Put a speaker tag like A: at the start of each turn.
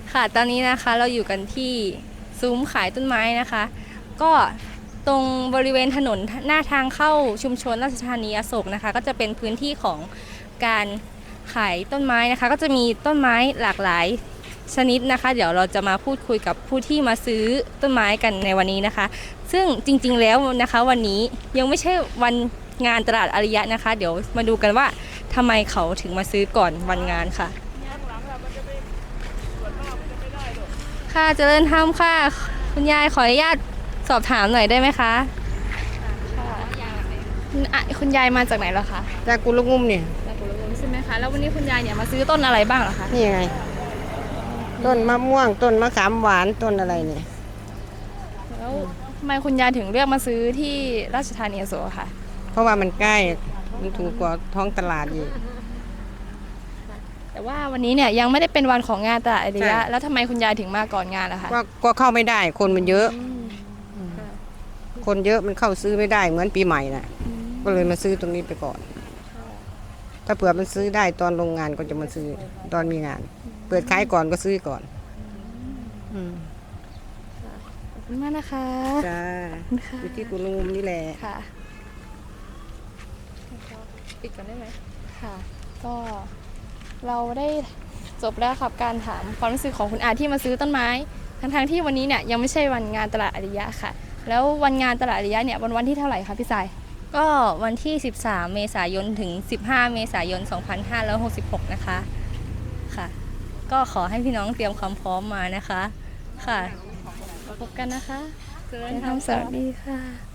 A: ค่ะตอนนี้นะคะเราอยู่กันที่ซุ้มขายต้นไม้นะคะ ก็ตรงบริเวณถนนหน้าทางเข้าชุมชนราชธานีอโศกนะคะก็จะเป็นพื้นที่ของการขายต้นไม้นะคะก็จะมีต้นไม้หลากหลายชนิดนะคะเดี๋ยวเราจะมาพูดคุยกับผู้ที่มาซื้อต้นไม้กันในวันนี้นะคะซึ่งจริงๆแล้วนะคะวันนี้ยังไม่ใช่วันงานตลาดอาริยะนะคะเดี๋ยวมาดูกันว่าทำไมเขาถึงมาซื้อก่อนวันงานค่ะค่ะเจริญธรรมค่ะคุณยายขออนุญาตสอบถามหน่อยได้ไหมคะคุณยายมาจากไหนเหรอคะ
B: จากกุลงุมเนี่ย
A: จากกุลบุรีใช่ไหมคะแล้ววันนี้คุณยายเนี่ยมาซื้อต้นอะไรบ้างเหรอคะ
B: นี่ไงต้นมะม่วงต้นมะขามหวานต้นอะไรเนี่ย
A: แล้วทำไมคุณยายถึงเลือกมาซื้อที่ราชธานีอโศกค่ะ
B: เพราะว่ามันใกล้มันถูกกว่าท้องตลาดอีก
A: แต่ว่าวันนี้เนี่ยยังไม่ได้เป็นวันของงานตลาดอาริยะแล้วทำไมคุณยายถึงมาก่อนงานล่ะคะ
B: ก็เข้าไม่ได้คนมันเยอะคนเยอะมันเข้าซื้อไม่ได้เหมือนปีใหม่น่ะก็เลยมาซื้อตรงนี้ไปก่อนถ้าเผื่อมันซื้อได้ตอนโรงงานก็จะมาซื้อตอนมีงานเปิดขายก่อนก็ซื้อก่อน
A: ขอบคุณมากนะคะ
B: จ้าอยู่ที่กุลงุมนี่แหละ
A: ค่ะปิดกันได้ไหมค่ะก็เราได้จบแล้วครับการถามความรู้สึกของคุณอาที่มาซื้อต้นไม้ทั้งที่วันนี้เนี่ยยังไม่ใช่วันงานตลาดอาริยะค่ะแล้ววันงานตลาดอาริยะเนี่ยวันที่เท่าไหร่คะพี่สายก็วันที่13เมษายนถึง15เมษายน2566นะคะค่ะก็ขอให้พี่น้องเตรียมความพร้อมมานะคะค่ะพบกันนะคะเจริญธรรมสวัสดีค่ะ